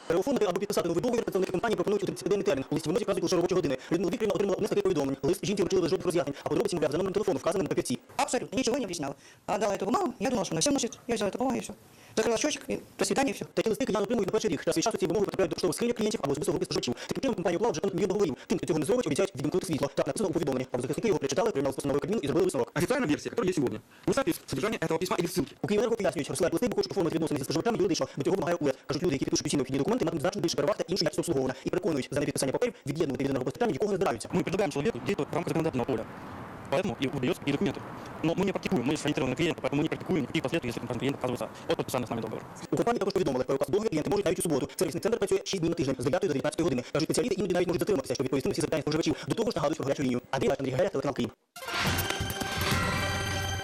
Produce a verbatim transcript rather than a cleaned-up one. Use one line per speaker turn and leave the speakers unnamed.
переоформити або підписати новий договір представники компанії пропонують у тридцятиденний термін. У листі вимозі вказують лише робочі години. Людмила Вікторівна отримала одне з таких повідомлень. Лист жінці вручили без жодних роз'яснень, а подробиці, мовляв, за номером телефону, вказаним на папірці.
Абсолютно, ничего не объясняла. Отдала эту бумагу, я думала, что она все носит. Я взяла эту бумагу и все. Закрила счетчик, и до свидания, и все.
Такі листи кияни отримують на перший рік. Час від часу ці вимоги потрапляють до поштових скриньок клієнтів або особисто групи споживачів. Таким чином компанія уклала вже понад мільйон договорів. Тим, хто цього не зробить, обіцяють відімкнути світло. Так написано у повідомленні. Правозахисники його прочитали, прийняли з постановою Кабміну і зробили висновок.
Официальная версия, которая есть сегодня, не соответствует содержанию этого письма или ссылки.
У Київенерго пояснюють, розсилають листи, бо хочуть оформити відносини зі споживачами юридично. До цього вимагає УЕД. Кажуть, люди, які підпишуть усі необхідні документи, матимуть значно більше переваг та іншу якість обслуговування. І переконують, за непідписання паперів від'єднувати від енергопостачання нікого не збираються.
Мы предлагаем человеку действовать в рамках законодательного поля. Поэтому и выдает и документы. Но мы не практикуем, мы сориентированы на клиента, поэтому мы не практикуем никаких последствий, если клиент отказывается от подписания с нами договора.
У компанії також повідомили, про указ договір клієнти можуть навіть у суботу. Сервісний центр працює шість днів на тиждень з дев'ятої до дев'ятнадцятої години. Кажуть, спеціалісти іноді навіть можуть затриматися, щоб відповісти на всі запитання споживачів. До того ж нагадують про гарячу лінію. Андрій Лаш, Андрій Гагаря, телеканал Київ.